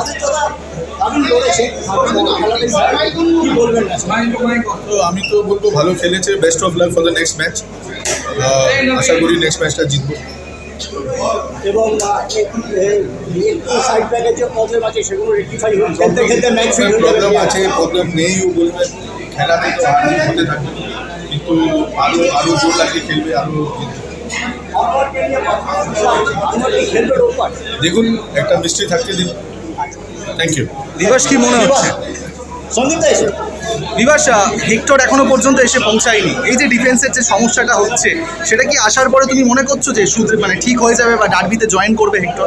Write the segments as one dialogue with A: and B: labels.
A: তো আমি তো বলবো ভালো খেলেছে, best of luck for the next match. আশা করি নেক্সট ম্যাচটা জিতবো।
B: এবং সাইড ব্যাগের যে প্রবলেম আছে সেগুলো রেক্টিফাই হয়ে খেলতে খেলতে ম্যাচ
A: প্রবলেম আছে, প্রবলেম নেইও বলবেন, খেলাতে তো হার হতে থাকবে, কিন্তু আরো জোর লাগিয়ে খেলবে, আরো দেখুন একটা মিস্ট্রি থাকতে দিন। Thank you.
C: দিবস কি মনে হচ্ছে?
B: সন্দীপ এসে
C: বিভাস, হেক্টর এখনো পর্যন্ত এসে পৌঁছায়নি, এই যে ডিফেন্সের যে সমস্যাটা হচ্ছে সেটা কি আসার পরে তুমি মনে করছো যে শুধু মানে ঠিক হয়ে যাবে বা ডার্বিতে জয়েন করবে Hector?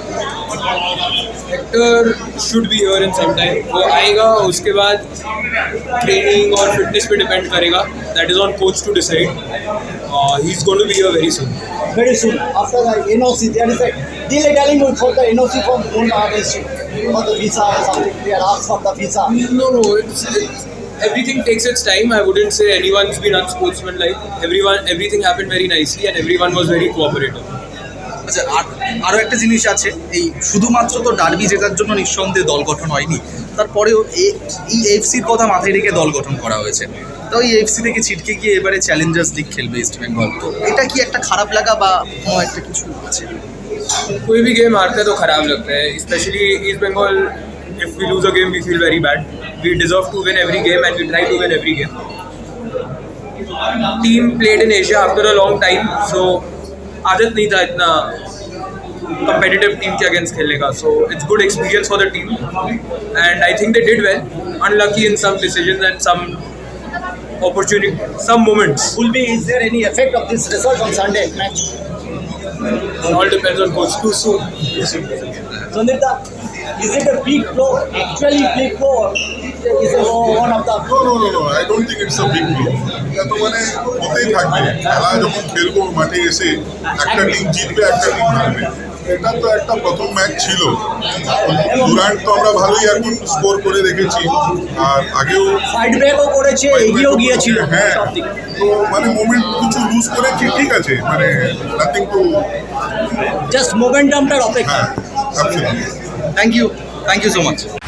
D: Hector should be here in some time. वो आएगा, उसके बाद ट्रेनिंग और फिटनेस पे डिपेंड करेगा। That is on coach to decide. He is going to be here very soon.
B: very soon after the NOC. There is a delay telling for the NOC from for the visa or something. They are asked for the visa.
D: No, it's everything takes its time. I wouldn't say anyone's been unsportsmanlike. Everything happened very nicely and everyone was very cooperative.
C: আচ্ছা, আরও একটা জিনিস আছে, এই শুধুমাত্র তো derby জেতার জন্য নিঃসন্দেহে দল গঠন হয়নি, তারপরেও এই এফসির কথা মাথায় রেখে দল গঠন করা হয়েছে। তো এই এফসি থেকে ছিটকে গিয়ে এবারে চ্যালেঞ্জার্স লিগ খেলবে ইস্ট বেঙ্গল, তো এটা কি একটা খারাপ লাগা বা কোনো একটা কিছু আছে?
D: कोई भी गेम हारता है तो खराब लगता है, specially East Bengal. If we lose a game we feel very bad. We deserve to win every game and we try to win every game. Team played in Asia after a long time, so आदत नहीं था इतना competitive team के against खेलने का। So it's good experience for the team and I think they did well. Unlucky in some decisions and some opportunity, some moments.
B: Will be, is there any effect of this result on Sunday match?
D: It all depends on coach. Too soon.
B: Sandita, is it a big blow? Actually big blow? Or is it one of the?
A: No, I don't think it's a big deal. এটা তো মানে হতেই থাকবে, খেলা যখন খেলবো মাঠে এসে একটা টিম জিতবে, একটা টিম হারবে। এটা তো একটা প্রথম ম্যাচ ছিল। ডুরান্ট তো আমরা ভালোই এখন স্কোর করে রেখেছি, আর আগেও
B: সাইড ব্যাকও করেছে, এগিয়েও গিয়েছিল।
A: হ্যাঁ, তো মানে মোমেন্ট কিছু লুজ করেছি, ঠিক আছে, মানে নাথিং টু,
B: জাস্ট মোমেন্টামটার অপেক্ষা।
A: হ্যাঁ, absolutely.
C: Thank you so much.